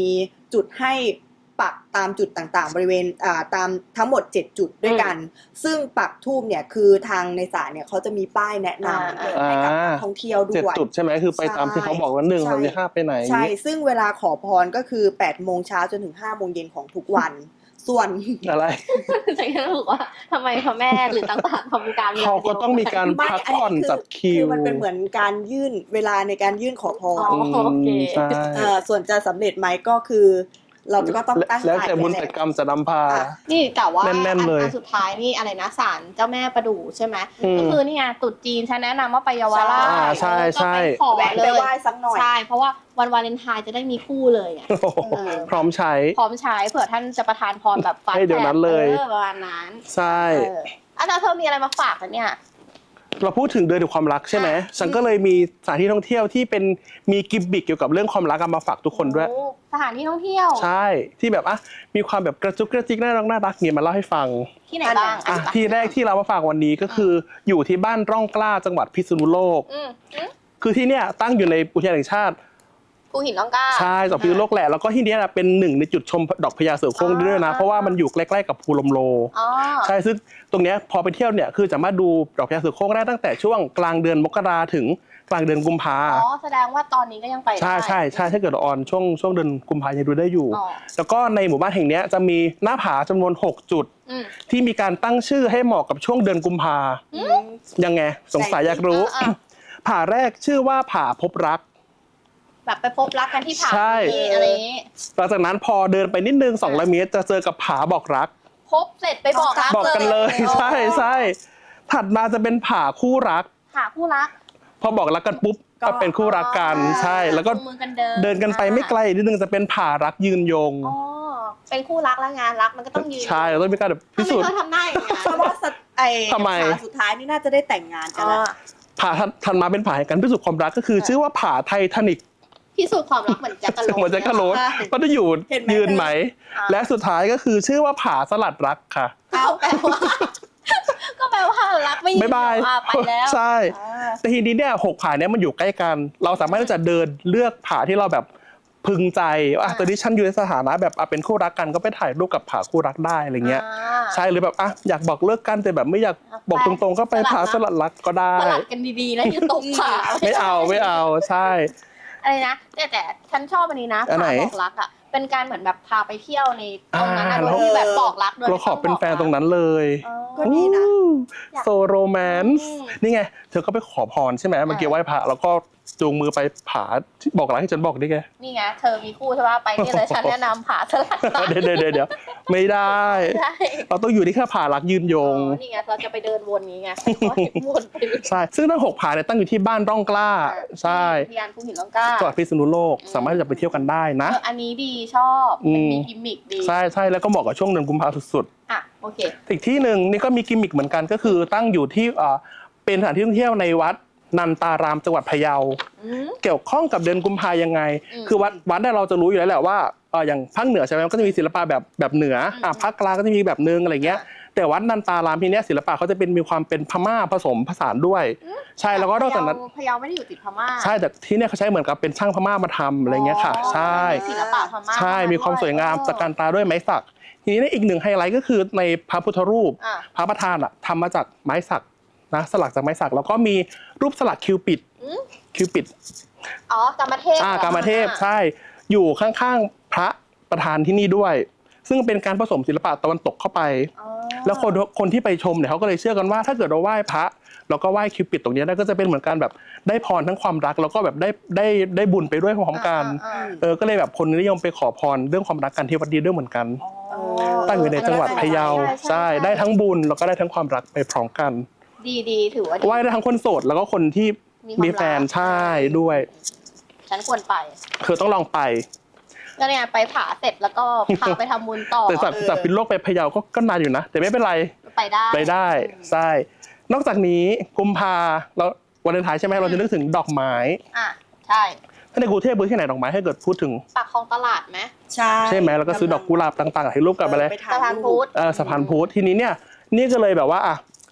[SPEAKER 3] จุดให้ปักตามจุดต่างๆ บริเวณอ่าตามทั้งหมดเจ็ดจุดด้วยกัน ซึ่งปักธูปเนี่ยคือทางในศาลเนี่ยเขาจะมีป้ายแนะนำให้กับนักท่องเที่ยวด้
[SPEAKER 1] เจ็ด
[SPEAKER 3] วย
[SPEAKER 1] จุดใช่ไหมคือไปตามที่เขาบอกว่าหนึ่ง
[SPEAKER 3] ใช่
[SPEAKER 1] สองห้าไปไหน
[SPEAKER 3] ใช่ซึ่งเวลาขอพรก็คือแปดโมงเช้าจนถึงห้าโมงเย็นของทุกวัน ส่วน
[SPEAKER 1] อะไร
[SPEAKER 2] ฉันก็รู้ว่าทำไมพระแม่หรือต่างๆทำการ
[SPEAKER 1] เขาก็ต้องมีการพักผ่อนจัดคิว
[SPEAKER 3] คือมันเป็นเหมือนการยื่นเวลาในการยื่นขอพร
[SPEAKER 2] อ๋อโอเค
[SPEAKER 1] ใช่
[SPEAKER 3] เอ่อส่วนจะสำเร็จไหมก็คือ เราก็ต้องตั้ง
[SPEAKER 1] แล้ว
[SPEAKER 3] ใจ
[SPEAKER 1] แต่บุญ
[SPEAKER 3] ไว้
[SPEAKER 1] แต่
[SPEAKER 3] แหละ
[SPEAKER 1] กรรมจะนำพา
[SPEAKER 3] อ่ะ
[SPEAKER 2] นี่แต่ว่า
[SPEAKER 1] แน่นๆเลย
[SPEAKER 2] อันสุดท้ายนี่อะไรนะศาลเจ้าแม่ประดู่ใช่ไหม
[SPEAKER 1] อืม
[SPEAKER 2] ก็คือนี่ไงตรุษจีนฉันแนะนำว่าไปเยาวราช
[SPEAKER 1] อ่าใช่ใช่
[SPEAKER 2] ก็ไปขอ
[SPEAKER 3] แวะ
[SPEAKER 2] เล
[SPEAKER 3] ไป
[SPEAKER 2] ย
[SPEAKER 3] ไหว้สักหน่อย
[SPEAKER 2] ใช่เพราะว่าวันวาเลนไทน์จะได้มีคู่เลยไง
[SPEAKER 1] โอ้โห
[SPEAKER 2] เออ
[SPEAKER 1] พร้อมใช้
[SPEAKER 2] พร้อมใช้เผื่อท่านจะประทานพรแบบฟ้า
[SPEAKER 1] ให้เดี๋ยวนั้นเลย
[SPEAKER 2] ออประมาณนั้น
[SPEAKER 1] ใช่
[SPEAKER 2] เอออาจารย์เธอมีอะไรมาฝากกันเนี่ย
[SPEAKER 1] เราพูดถึงเดือนแห่งความรักใช่ไหม
[SPEAKER 2] อ่ะ
[SPEAKER 1] ฉันก็เลยมีสถานที่ท่องเที่ยวที่เป็นมีกิมบิกเกี่ยวกับเรื่องความรักเอามาฝากทุกคนด้วย
[SPEAKER 2] โอ้สถานที่ท่องเที่ยว
[SPEAKER 1] ใช่ที่แบบอ่ะมีความแบบกระจุกกระจิกน่ารักน่ารักเนี่ยมาเล่าให้ฟัง
[SPEAKER 2] ที่ไหนบ้าง
[SPEAKER 1] อ่ะ
[SPEAKER 2] อ่ะ
[SPEAKER 1] ที่แรกที่เรามาฝากวันนี้ก็คืออยู่ที่บ้านร่องกล้าจังหวัดพิษณุโลก
[SPEAKER 2] อืมอืม
[SPEAKER 1] คือที่เนี่ยตั้งอยู่ในอุทยานแห่งชาติ
[SPEAKER 2] ภูหินล่องกล้า
[SPEAKER 1] ใช่จังหวัดพิษณุโลกแหละแล้วก็ที่เนี้ยนะเป็นหนึ่งในจุดชมดอกพญาเสือโคร่งด้วยนะ
[SPEAKER 2] อ่า
[SPEAKER 1] เพราะว่ามันอยู่ใกล้ๆกับภูลมโล
[SPEAKER 2] อ๋อ
[SPEAKER 1] ใช่ซึ่งตรงเนี้ยพอไปเที่ยวเนี่ยคือสามารถดูดอกพญาเสือโคร่งได้ตั้งแต่ช่วงกลางเดือนมกราถึงกลางเดือนกุมภา
[SPEAKER 2] อ๋อแสดงว่าตอนนี้ก็ยังไปได้
[SPEAKER 1] ใช่ใช่ใช่ถ้าเกิดเราออนช่วงช่วงเดือนกุมภายังดูได้อยู่
[SPEAKER 2] อ๋อ
[SPEAKER 1] แล้วก็ในหมู่บ้านแห่งเนี้ยจะมีหน้าผาจำนวนหกจุด
[SPEAKER 2] อืม
[SPEAKER 1] ที่มีการตั้งชื่อให้เหมาะกับช่วงเดือนกุมภายังไงสงสัยอยากรู้
[SPEAKER 2] อ่ะ
[SPEAKER 1] ผาแรกชื่อว่าผาพบรัก
[SPEAKER 2] แบบไปพบรักกันที่ผา
[SPEAKER 1] ใช่
[SPEAKER 2] นี้อะไรอย่างนี้
[SPEAKER 1] หลังจากนั้นพอเดินไปนิดนึงสองร้อยเมตรจะเจอกับผาบอกรัก
[SPEAKER 2] พบเสร็จไปบอกรัก
[SPEAKER 1] บอกกันเลย
[SPEAKER 2] โอ้
[SPEAKER 1] ใช่ใช่ถัดมาจะเป็นผาคู่รัก
[SPEAKER 2] หาคู่รัก
[SPEAKER 1] พอบอกรักกันปุ๊บก็เป็นคู่รักกันใช่แล้วก็
[SPEAKER 2] จูงมือกันเดิน
[SPEAKER 1] เดินกันไปไม่ไกลนิดนึงจะเป็นผารักยืนยง
[SPEAKER 2] อ๋อเป็นคู่รักแล้วงานรักมันก็ต้องยืน
[SPEAKER 1] ใช่เราต้องมีการแบบพิสูจน์
[SPEAKER 2] ทำไมเขาทำหน้าอย่างนั้น
[SPEAKER 3] เพราะว่าสัตว์ไอ้
[SPEAKER 1] ทำไม
[SPEAKER 3] ผาสุดท้ายนี่น่าจะได้แต่งงานกัน
[SPEAKER 2] อ๋อ
[SPEAKER 3] แล้ว
[SPEAKER 1] ผาถัดมาเป็นผาแห่งการพิสูจน์ความรักก็คือ ชื่อว่าผาไททานิก
[SPEAKER 2] พิสูจน์ความรักเหมือนแจ็คกะโหลก
[SPEAKER 1] เหมือนแจ็คกะโหลกก็จะอยู่
[SPEAKER 3] เห็นไหม
[SPEAKER 1] ยืนไหม
[SPEAKER 2] อ่า
[SPEAKER 1] และสุดท้ายก็คือชื่อว่าผาสลัดรักค่ะ
[SPEAKER 2] เอาแปลว่า ก็แปลว่ารักไม่ยืน
[SPEAKER 1] บ๊ายบาย
[SPEAKER 2] อ่ะไปแล้ว
[SPEAKER 1] ใช่
[SPEAKER 2] อ่า
[SPEAKER 1] แต่ทีนี้เนี่ยหกผาเนี่ยมันอยู่ใกล้กัน เราสามารถที่จะเดินเลือกผาที่เราแบบพึงใจว่าอ่ะตอนนี้ฉันอยู่ในสถานะแบบอ่ะเป็นคู่รักกันก็ไปถ่ายรูปกับผาคู่รักได้อะไรเงี้ย
[SPEAKER 2] อ่า
[SPEAKER 1] ใช่หรือแบบอ่ะอยากบอกเลิกกันแต่แบบไม่อยากบอกตรงๆ ก็ไปผาสลัดรักก็ได้
[SPEAKER 2] สลัดกันดีๆแล้วจะตกผา
[SPEAKER 1] ไม่เอาไม่เอาใช่
[SPEAKER 2] อะไรนะแต่แต่ฉันชอบอันนี้นะ
[SPEAKER 1] อันไหน
[SPEAKER 2] ผาบอกรักอ่ะเป็นการเหมือนแบบพาไปเที่ยวในตรงนั้น
[SPEAKER 1] อ่า
[SPEAKER 2] อะโดยที่แบบบอกรักโดย
[SPEAKER 1] เรา
[SPEAKER 2] ไม่
[SPEAKER 1] ขอเป็นแฟนตรงนั้นเลย
[SPEAKER 2] อ๋อ
[SPEAKER 3] ก็ดีนะ
[SPEAKER 1] โซโรแมนซ์
[SPEAKER 2] อืม
[SPEAKER 1] นี่ไง เธอก็ไปขอพรใช่ไหมเมื่อกี้ไหว้พระแล้วก็จูงมือไปผาที่บอกรักให้ฉันบอกได้ไง
[SPEAKER 2] นี่ไงเธอมีคู่ใช่ป่ะไปนี่เลยฉันแนะนำผาสลัดรัก
[SPEAKER 1] เดี๋ยวเดี๋ยวเดี๋ยวเดี๋ยวไม่ได้
[SPEAKER 2] ใช่
[SPEAKER 1] เราต้องอยู่ที่แค่ผารักยืนย
[SPEAKER 2] อ๋อง นี่ไงเราจะไปเดินวนนี้ไงก็เห็นวนไปเลย
[SPEAKER 1] ใช่ ซึ่งทั้งหกผาเนี่ยตั้งอยู่ที่บ้านร่องกล้า ใช่
[SPEAKER 2] ที่ยานภูหินล่องกล้า
[SPEAKER 1] จังหวัดพิษณุโลก สามารถจะไปเที่ยวกันได้นะ
[SPEAKER 2] เอออันนี้ดีชอบมันมี
[SPEAKER 1] อืม
[SPEAKER 2] กิมมิคดี
[SPEAKER 1] ใช่ใช่แล้วก็เหมาะกับช่วงเดือนกุมภาพันธ์สุด
[SPEAKER 2] อ่ะโอเค
[SPEAKER 1] ๆ อีกที่หนึ่งนี่ก็มีกิมมิคเหมือนกันก็คือตั้งอยู่ที่เอ่อเป็นสถานที่ท่องเที่ยวในวัดนันตารามจังหวัดพะเยา
[SPEAKER 2] อืม
[SPEAKER 1] เกี่ยวข้องกับเดือนกุมภายังไง
[SPEAKER 2] อืม
[SPEAKER 1] คือวัดวัดเนี่ยเราจะรู้อยู่แล้วแหละว่าเอออย่างภาคเหนือใช่ไหมมันก็จะมีศิลปะแบบแบบเหนืออ่ะภาคกลางก็จะมีแบบนึงอะไรเงี้ย แต่วัดนันตารามที่เนี้ยศิลปะเขาจะเป็นมีความเป็นพม่าผสมผสานด้วย ใช่แล้วก็นอกจากนั้น
[SPEAKER 2] พะเยาไม่ได้อยู่ติดพม่า
[SPEAKER 1] ใช่แต่ที่เนี่ยเขาใช้เหมือนกับเป็นช่างพม่ามาทำอะไรเงี้ยค่ะ ใช่
[SPEAKER 2] มีศิลปะพม่า
[SPEAKER 1] ใช่มีความสวยงามตระการตาด้วยไม้สัก ทีนี้เนี่ยอีกหนึ่งไฮไลท์ก็คือในพระพุทธรูป
[SPEAKER 2] อ่ะ
[SPEAKER 1] พระประธานอะทำมาจากไม้สักนะสลักจากไม้สักแล้วก็มีรูปสลักคิวปิด
[SPEAKER 2] อืม
[SPEAKER 1] คิวปิด
[SPEAKER 2] อ๋อกามเทพ
[SPEAKER 1] อ่า
[SPEAKER 2] หร
[SPEAKER 1] กามเทพใช่อยู่ข้างๆพระประธานที่นี่ด้วย ซึ่งเป็นการผสมศิลปะตะวันตกเข้าไป
[SPEAKER 2] อ๋อ
[SPEAKER 1] แล้วคนคนที่ไปชมเนี่ยเขาก็เลยเชื่อกันว่าถ้าเกิดเราไหว้พระแล้วก็ไหว้คิวปิดตรงเนี้ยก็จะเป็นเหมือนการแบบได้พรทั้งความรักแล้วก็แบบได้ได้ได้บุญไปด้วยพร้อมกัน
[SPEAKER 2] อ่าอ่า
[SPEAKER 1] เออก็เลยแบบคนนิยมไปขอพรเรื่องความรักกันที่วัดดีด้วยเหมือนกัน
[SPEAKER 2] อ๋อ
[SPEAKER 1] ตั้งอยู่ในจังหวัดพะเยา
[SPEAKER 2] ใช่
[SPEAKER 1] ใช่ได้ทั้งบุญแล้วก็ได้ทั้งความรักไปพร้อมกัน
[SPEAKER 2] ดีดีถือว่าดี
[SPEAKER 1] ไหว้ได้ทั้งคนโสดแล้วก็คนที่
[SPEAKER 2] มีความ
[SPEAKER 1] มีแฟน
[SPEAKER 2] รัก
[SPEAKER 1] ใช่ด้วย
[SPEAKER 2] ฉันควรไป
[SPEAKER 1] เธอต้องลองไป
[SPEAKER 2] ก็เนี่ยไปผาเสร็จแล้วก็พาไปทำบุญต่อ
[SPEAKER 1] แต่จากจากพิษณุโลกไปพะเยาก็ก็นานอยู่นะ แต่ไม่เป็นไร
[SPEAKER 2] ไปได้
[SPEAKER 1] ไปได้ใช่นอกจากนี้กุมภาเราวันเลนไทน์ใช่ไหมเราจะนึกถึงดอกไม้
[SPEAKER 2] อ่ะใช่
[SPEAKER 1] ถ้าในกรุงเทพพื้นที่ไหนดอกไม้ให้เกิดพูดถึง
[SPEAKER 2] ปากคลองตลาดไหม
[SPEAKER 3] ใช่
[SPEAKER 1] ใช่ไหมแล้วก็ซื้อดอกกุหลาบต่างๆถ่ายรูปกับอะไร
[SPEAKER 3] ไป
[SPEAKER 2] สะ
[SPEAKER 3] ถ่าย
[SPEAKER 2] พาน
[SPEAKER 3] รู
[SPEAKER 2] พุ
[SPEAKER 3] ป
[SPEAKER 2] ทธ
[SPEAKER 1] เออสะพานพุทธทีนี้เนี่ยนี่ก็เลยแบบว่าอ่ะ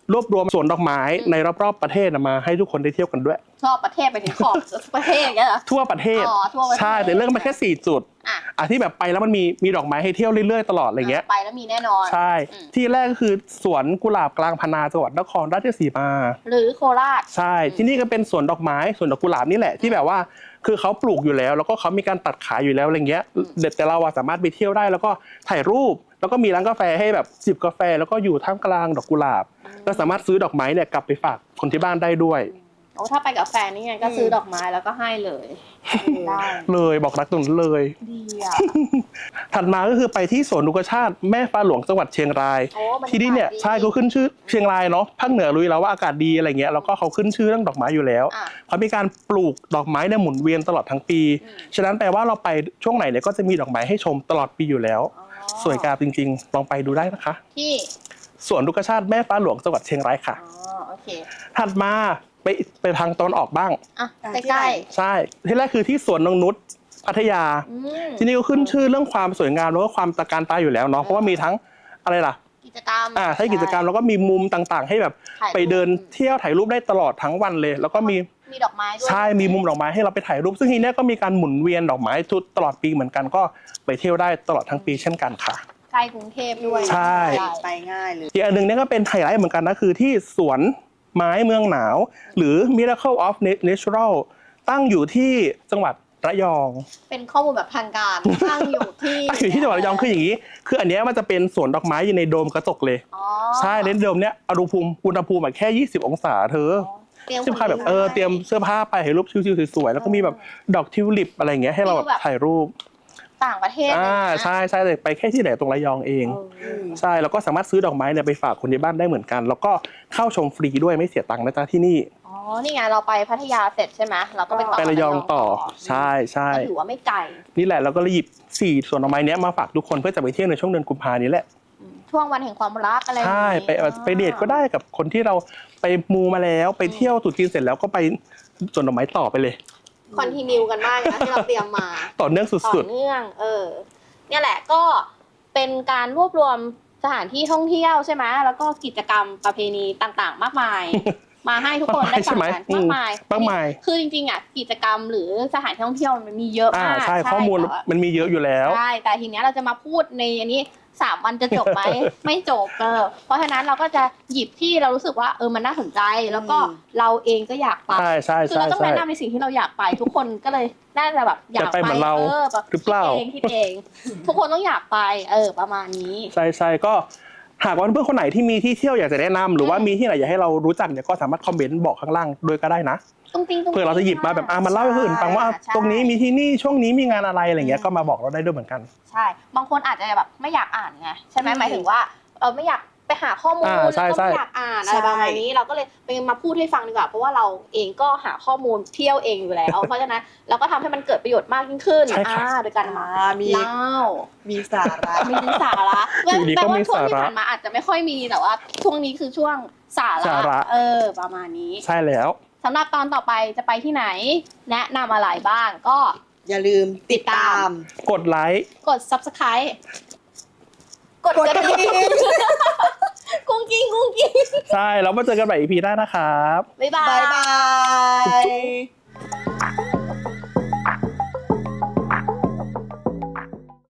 [SPEAKER 1] รวบรวมสวนดอกไม้ในรอบๆประเทศมาให้ทุกคนได้เที่ยวกันด้วย
[SPEAKER 2] ชอบประเทศไปถึงขอบประเทศอย่างเงี้ยเหรอ
[SPEAKER 1] ทั่วประเทศ
[SPEAKER 2] อ๋อทั่วประเทศ
[SPEAKER 1] ใช่แต่เรื่องมาแค่สี่จุด
[SPEAKER 2] อ่ะ
[SPEAKER 1] อ่ะที่แบบไปแล้วมันมีมีดอกไม้ให้เที่ยวเรื่อยๆตลอดอะไรเงี้ย
[SPEAKER 2] ไปแล้วมีแน่นอน
[SPEAKER 1] ใช่
[SPEAKER 2] อืม
[SPEAKER 1] ที่แรกก็คือสวนกุหลาบกลางพนาจังหวัดนครราชสีมา
[SPEAKER 2] หรือโคราช
[SPEAKER 1] ใช่ที่นี่ก็เป็นสวนดอกไม้สวนดอกกุหลาบนี่แหละที่แบบว่าคือเขาปลูกอยู่แล้ว แล้วก็เขามีการตัดขายอยู่แล้วอะไรเงี้ยเด็ดแต่เราอะสามารถไปเที่ยวได้แล้วก็ถ่ายรูป แล้วก็มีร้านกาแฟให้แบบจิบกาแฟ แล้วก็อยู่ท่ามกลางดอกกุหลาบก็สามารถซื้อดอกไม้เนี่ยกลับไปฝากคนที่บ้านได้ด้วย
[SPEAKER 2] โอ้ถ้าไปกับแฟนนี่ไงก็ซื้อดอกไม้แล้วก็ให้เลยได้
[SPEAKER 1] เลยบอกรักตรงนั้นเลย
[SPEAKER 2] ดีอ่ะ
[SPEAKER 1] ถัดมาก็คือไปที่สวนนกชาติแม่ฟ้าหลวงจังหวัดเชียงราย
[SPEAKER 2] โอ้บรรยากาศ
[SPEAKER 1] ที่นี่เนี่ย
[SPEAKER 2] ดี
[SPEAKER 1] ใช่เขาขึ้นชื่อเชียงรายเนาะภาคเหนือรู้อยู่แล้วว่าอากาศดีอะไรเงี้ยแล้วก็เขาขึ้นชื่อเรื่องดอกไม้อยู่แล้ว
[SPEAKER 2] อ่ะ
[SPEAKER 1] เขามีการปลูกดอกไม้เนี่ยหมุนเวียนตลอดทั้งปี
[SPEAKER 2] อืม
[SPEAKER 1] ฉะนั้นแปลว่าเราไปช่วงไหนเนี่ยก็จะมีดอกไม้ให้ชมตลอดปีอยู่แล้ว
[SPEAKER 2] อ๋อ
[SPEAKER 1] สวยงามจริงๆลองไปดูได้นะคะ
[SPEAKER 2] ที่
[SPEAKER 1] สวนนกชาติแม่ฟ้าหลวงจังหวัดเชียงรายค่ะ
[SPEAKER 2] อ๋อโอเค
[SPEAKER 1] ถัดมาไปไปทางตอนออกบ้าง
[SPEAKER 2] อ่ะ
[SPEAKER 3] อ่ะ
[SPEAKER 2] ใก
[SPEAKER 3] ที่ไหน
[SPEAKER 2] ล้
[SPEAKER 1] ใช่ที่แรกคือที่สวนนงนุชพัทยา
[SPEAKER 2] ๆอืม
[SPEAKER 1] ที่นี่ก็ขึ้นชื่อเรื่องความสวยงามแล้วก็ความตะการตาอยู่แล้วเนาะเพราะว่ามีทั้งอะไรล่ะ
[SPEAKER 2] กิจกรรม
[SPEAKER 1] อ่าให้กิจกรรมแล้วก็มีมุมต่างๆ ให้แบบ
[SPEAKER 2] ถ่ายรูป
[SPEAKER 1] ไปเดินเที่ยวถ่ายรูปได้ตลอดทั้งวันเลย แล้วก็มี
[SPEAKER 2] มีดอกไม้ด้วย
[SPEAKER 1] ใช่มีมุมดอกไม้ให้เราไปถ่ายรูป ซึ่งทีเนี้ยก็มีการหมุนเวียนดอกไม้ทุกตลอดปีเหมือนกันก็ไปเที่ยวได้ตลอดทั้งปีเช่นกันค่ะ
[SPEAKER 2] ใกล้กรุงเทพด้วย
[SPEAKER 1] ใช่
[SPEAKER 3] ไปง่ายเลย
[SPEAKER 1] อีกอันหนึงเนี่ยก็เป็นไฮไลท์เหมือนกันนะคือที่สวนไม้เมืองหนาว หรือ Miracle of Natural ตั้งอยู่ที่จังหวัดระยอง
[SPEAKER 2] เป็นข้อมูลแบบทางการตั้งอยู่ที่
[SPEAKER 1] ตั้งอยู่ที่จังหวัดระยองคืออย่างนี้ คืออันเนี้ยมันจะเป็นสวนดอกไม้อยู่ในโดมกระจกเลย
[SPEAKER 2] อ๋อ
[SPEAKER 1] ใช่ในโดมเนี้ยอุณหภูมิอุณหภูมิแบบแค่ยี่สิบองศาเธอ
[SPEAKER 2] เตรียม
[SPEAKER 1] ที่พาแบบเออเตรียมเสื้อผ้าไปถ่ายรูปชิวๆสวยๆแล้วก็มีแบบดอกทิวลิปอะไรอย่างเงี้ยให้เราแบบถ่ายรูป
[SPEAKER 2] ต่างประเทศ
[SPEAKER 1] อ่า
[SPEAKER 2] เลยนะ
[SPEAKER 1] ใช่ใช่แต่ไปแค่ที่ไหนตรงระยองเอง
[SPEAKER 2] เออ
[SPEAKER 1] ใช่แล้วก็สามารถซื้อดอกไม้เนี่ยไปฝากคนที่บ้านได้เหมือนกัน แล้วก็เข้าชมฟรีด้วยไม่เสียตังค์นะจ๊ะที่นี่
[SPEAKER 2] อ๋อ นี่ไงเราไปพัทยาเสร็จใช่ไหมเราก็ไปต่อ
[SPEAKER 1] ไประยองต่อใช่ใช่
[SPEAKER 2] ก็ถือว่าไม่ไกล
[SPEAKER 1] นี่แหละเราก็เลยหยิบสี่สวนดอกไม้เนี้ยมาฝากทุกคนเพื่อจะไปเที่ยวในช่วงเดือนกุมภานี้แหละ
[SPEAKER 2] อืมช่วงวันแห่งความรักอะไรอย่าง
[SPEAKER 1] ใช่
[SPEAKER 2] งี้
[SPEAKER 1] ไปไปเดทก็ได้กับคนที่เราไปมูมาแล้วไปเที่ยวตรุษจีนเสร็จแล้วก็ไปสวนดอกไม้ต่อไปเลย
[SPEAKER 2] คอนติเนียกันมากนะที่เราเตรียมมา
[SPEAKER 1] ต่อเนื่อง
[SPEAKER 2] ต่อ
[SPEAKER 1] สุด
[SPEAKER 2] เนื่อง เออ เนี่ยแหละก็เป็นการรวบรวมสถานที่ท่องเที่ยวใช่ไหมแล้วก็กิจกรรมประเพณีต่างๆ มาก มาย มาให้ทุกคนได้ฟังกัน
[SPEAKER 1] ใช่ไหม
[SPEAKER 2] มากมาย
[SPEAKER 1] มากมาย
[SPEAKER 2] คือจริงๆอ่ะกิจกรรมหรือสถานที่ท่องเที่ยวมันมีเยอะ
[SPEAKER 1] ๆอ่าม
[SPEAKER 2] าก
[SPEAKER 1] ใช่ข้อมูล
[SPEAKER 2] แต่ว่า
[SPEAKER 1] มันมีเยอะอยู่แล้ว
[SPEAKER 2] ใช่แต่ทีเนี้ยเราจะมาพูดในอันนี้สามวันจะจบไหม ไม่จบเออเพราะฉะนั้นเราก็จะหยิบที่เรารู้สึกว่าเออมันน่าสนใจ แล้วก็
[SPEAKER 3] อืม
[SPEAKER 2] เราเองก็อยากไป
[SPEAKER 1] ใช่ใช่
[SPEAKER 2] คือ
[SPEAKER 1] ใช่
[SPEAKER 2] เราต้อง
[SPEAKER 1] ใช่
[SPEAKER 2] แนะนำในสิ่งที่เราอยากไป ทุกคนก็เลยน่าจะแบบอยาก
[SPEAKER 1] อยากไปเหมือนเรา
[SPEAKER 2] ออแบบ
[SPEAKER 1] หรือเปล่า
[SPEAKER 2] คิดเองคิดเอง ทุกคนต้องอยากไป เออ ประมาณนี้
[SPEAKER 1] ใช่ใช่ก็หากว่าเพื่อนๆคนไหนที่มีที่เที่ยวอยากจะแนะนำหรือว่ามีที่ไหนอยากให้เรารู้จักเนี่ยก็สามารถคอมเมนต์บอกข้างล่างด้วยก็ได้นะ
[SPEAKER 2] ตุ้งติ้งตุ้งติ้ง
[SPEAKER 1] เพื่อเราจะหยิบมาแบบอ่ะมาเล่าให้คนอื่นฟังว่า
[SPEAKER 2] ใช่
[SPEAKER 1] ตรงนี้มีที่นี่ช่วงนี้มีงานอะไรอะไรเงี้ยก็มาบอกเราได้ด้วยเหมือนกัน
[SPEAKER 2] ใช่ บางคนอาจจะแบบไม่อยากอ่านไงใช่ไหม
[SPEAKER 3] อืม
[SPEAKER 2] หมายถึงว่าเออไม่อยากไปหาข้อมูล
[SPEAKER 1] อ่า
[SPEAKER 2] แล้ว
[SPEAKER 1] ใช่
[SPEAKER 2] ก็
[SPEAKER 1] ใช่
[SPEAKER 2] ไม่อยากอ่านอะไร
[SPEAKER 3] ใช่
[SPEAKER 2] ประมาณนี้เราก็เลยไปมาพูดให้ฟังดีกว่าเพราะว่าเราเองก็หาข้อมูลเที่ยวเองอยู่แล้ว เพราะฉะนั้นเราก็ทำให้มันเกิดประโยชน์มากยิ่งขึ้น
[SPEAKER 1] ใช่ค่ะ
[SPEAKER 2] อ่าโดยการมา
[SPEAKER 3] อ่ามี
[SPEAKER 2] เล่า
[SPEAKER 3] มีสาระ
[SPEAKER 2] มีสาระ
[SPEAKER 1] อยู่ดีก็
[SPEAKER 2] แปลว่า
[SPEAKER 1] มี
[SPEAKER 2] ช่วง
[SPEAKER 1] สาระ
[SPEAKER 2] ที่ผ่านมาอาจจะไม่ค่อยมีแต่ว่าช่วงนี้คือช่วงสา
[SPEAKER 1] สาระ
[SPEAKER 2] เออประมาณนี้
[SPEAKER 1] ใช่แล้ว
[SPEAKER 2] สำหรับตอนต่อไปจะไปที่ไหน แนะนำอะไรบ้างก็
[SPEAKER 3] อย่าลืมติดตาม
[SPEAKER 1] กดไลค์
[SPEAKER 2] กด ซับสไครบ์ กด
[SPEAKER 3] กด
[SPEAKER 2] ก
[SPEAKER 3] ก
[SPEAKER 2] ระ
[SPEAKER 3] ระ
[SPEAKER 2] ดิ่
[SPEAKER 3] ดิ่
[SPEAKER 2] ง
[SPEAKER 3] ง
[SPEAKER 2] กุ้งกิ้งกุ้งกิ้ง
[SPEAKER 1] ใช่แล้วมาเจอกันใหม่ อี พี หน้านะครับ
[SPEAKER 2] บ๊ายบา
[SPEAKER 3] บาย
[SPEAKER 2] ย
[SPEAKER 3] บาย